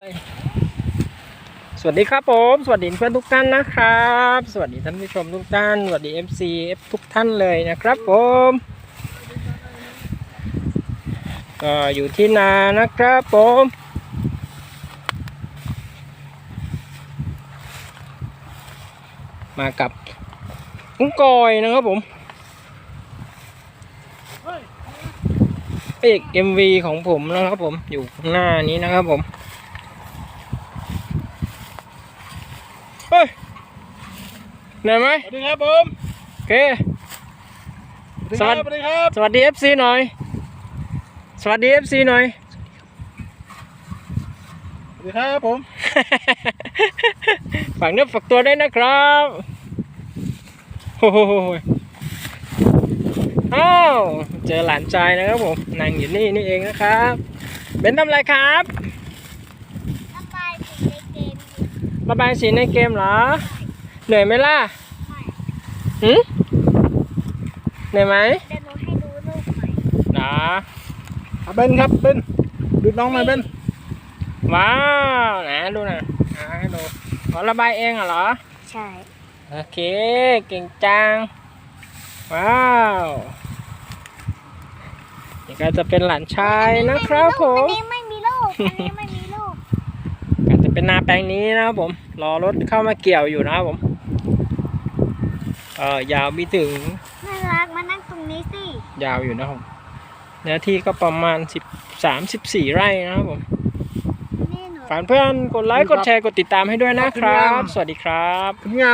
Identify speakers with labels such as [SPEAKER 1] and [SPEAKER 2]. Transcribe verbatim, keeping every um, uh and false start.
[SPEAKER 1] สวัสดีครับผมสวัสดีเพื่อนทุกท่านนะครับสวัสดีท่านผู้ชมทุกท่านสวัสดี เอฟ ซี ทุกท่านเลยนะครับผมก็อยู่ที่นานะครับผมมากับกุ้งกอยนะครับผมเอก เอ็ม วี ของผมนะครับผมอยู่ข้างหน้านี้นะครับผมเฮ้ยเหนื่อยไหม
[SPEAKER 2] สวัสดีครับผม
[SPEAKER 1] โอเค
[SPEAKER 2] สวัสดีครับ
[SPEAKER 1] สวัสดี เอฟ ซี หน่อยสวัสดี เอฟ ซี หน่อย
[SPEAKER 2] สวัสดีครับผม
[SPEAKER 1] ฝากเนื้อฝากตัวด้วยนะครับโอ้โหอ้าวเจอหลานชายนะครับผมนั่งอยู่นี่นี่เองนะครับเบนทำอะไรครับ
[SPEAKER 3] ระบายสีในเกม
[SPEAKER 1] ระบายสีในเกมเหรอเหนื่อยไหมล่ะหืมเหนื่อยไหม
[SPEAKER 3] เดี๋ยวหนูให้ดูรูปใหม่
[SPEAKER 1] นะ
[SPEAKER 2] เบนครับเบนดูน้องหน่อยเบน
[SPEAKER 1] ว้าวนะดูนะอ่าให้ดูอ๋อระบายเองเหรอ
[SPEAKER 3] ใช่
[SPEAKER 1] โอเคเก่งจังว้าวนี่ก็จะเป็นหลานชายนะครับผม
[SPEAKER 3] อันนี้ไม่มีรูปอันนี้ไม่มีรูป
[SPEAKER 1] ก็จะเป็นนาแปลงนี้นะครับผมรอรถเข้ามาเกี่ยวอยู่นะครับผมเออยาวมีถึง
[SPEAKER 3] น่ารักมานั่งตรงนี้สิ
[SPEAKER 1] ยาวอยู่นะครับเนื้อที่ก็ประมาณสิบสามสิบสี่ไร่นะครับผม
[SPEAKER 3] นี่หนู
[SPEAKER 1] ฝากเพื่อนกดไลค์กดแชร์กดติดตามให้ด้วยนะครับ สวัสดีครับ
[SPEAKER 2] งาน